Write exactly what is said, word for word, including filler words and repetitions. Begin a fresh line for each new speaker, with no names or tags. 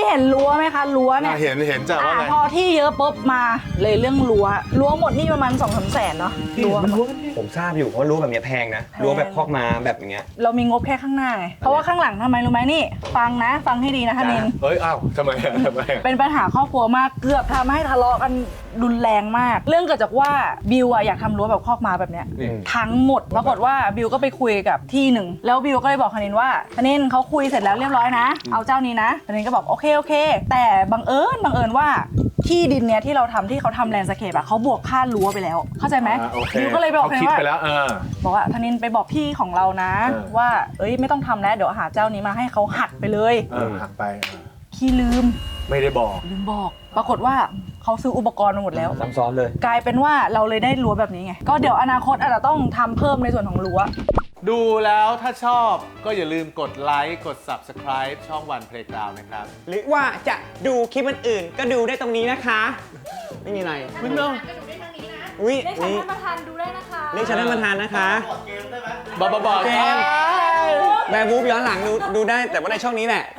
เห็นรั้วไหมคะรั้วเนี่ย
เห็นเห็นจ้ะว่าไง
พอที่เยอะปุ๊บมาเลยเรื่องรั้วรั้วหมดนี่ประมาณสองสามแสนเนาะรั้ว
ผมทราบอยู่เพราะรั้วแบบนี้แพงนะรั้วแบบคอกม้าแบบอย่างเงี้ย
เรามีงบแค่ข้างหน้าไงเพราะว่าข้างหลังทำไมรู้ไหมนี่ฟังนะฟังให้ดีนะธนิน
เฮ้ยอ้าวทำไมทำไม
เป็นปัญหาครอบครัวมากเกือบทำให้ทะเลาะกันรุนแรงมาก เรื่องเกิดจากว่าบิวอะอยากทำรั้วแบบคอกม้าแบบเนี้ยทั้งหมดปรากฏว่าบิวก็ไปคุยกับที่หนึ่งแล้วบิวก็เลยบอกธนินว่าธนินเขาคุยเสร็จแล้วเรียบร้อยนะเอาเจ้านี้นะธนินก็บอกโอเคโอเคแต่บังเอิญบังเอิญว่าที่ดินเนี้ยที่เราทำที่เขาทำแลนด์สเคปอะเขาบวกค่ารั้วไปแล้วเข้าใจไหมบิวก็เลยบอกธนินว่าบอกว่าธนินไปบอกพี่ของเรานะว่าเอ้ยไม่ต้องทำแล้วเดี๋ยวหาเจ้านี้มาให้เขาหักไปเลย
หักไป
พี่ลืม
ไม่ได้บอก
ลืมบอกปรากฏว่าเขาซื้ออุปกรณ์มาหมดแล้ว
ซ้ำซ้อนเลย
กลายเป็นว่าเราเลยได้รั้วแบบนี้ไงก็เดี๋ยวอนาคตอาจจะต้องทำเพิ่มในส่วนของรั้ว
ดูแล้วถ้าชอบก็อย่าลืมกดไลค์กด ซับสไครบ์ ช่องวันเพลย์กราวด์นะครับ
หรือว่าจะดูคลิปอื่นๆก็ดูได้ตรงนี้นะคะไม่มีอะไร
คุณน้อง
อุ้ย
เรียกฉันท่านประธานดูได้นะคะ
เรียกฉันท่านประธานนะคะ
บอกบอกบอก
แบร์บูฟย้อนหลังดูดูได้แต่ว่าในช่องนี้แหละ